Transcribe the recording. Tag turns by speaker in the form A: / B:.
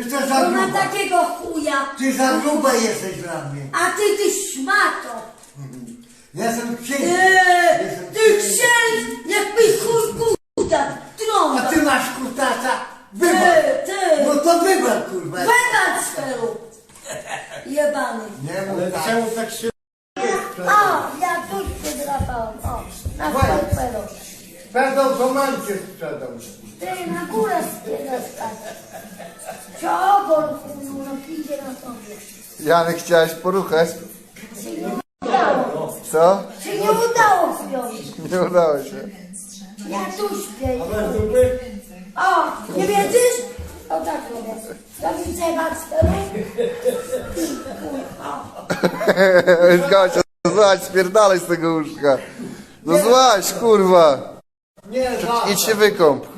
A: Jesteś za
B: Bo ma
A: gruba.
B: takiego chuja.
A: Ty za gruba jesteś dla mnie.
B: A ty szmato.
A: Ja jestem księdz.
B: Ty księdz, jakbyś chuj kuta,
A: A
B: trąba.
A: ty masz kutasa. Wybacz.
B: Ty.
A: No to wybacz, kurwa.
B: Wybacz sferu. Jebany.
A: Nie mów
C: Ale
A: tak.
C: czemu tak się...
B: O, ja tu się drapałem. O, na sferu.
A: Będą to mancie sprzedał.
B: Ty na górę spiedasz tak. Ciogol, chuju, no idzie na tobie.
D: Janek, chciałeś poruchać?
B: Się nie udało.
D: Co?
B: Się nie udało śpiąć.
D: Nie udało się.
B: Ja tu śpię.
C: Ale dupy?
B: O, nie wiedzisz? O tak robię. Robisz zjebać sferu? O.
D: Gosia, złaź, spierdalaj z tego łóżka. No złaź, kurwa.
A: Nie, za.
D: Idź się wykąp.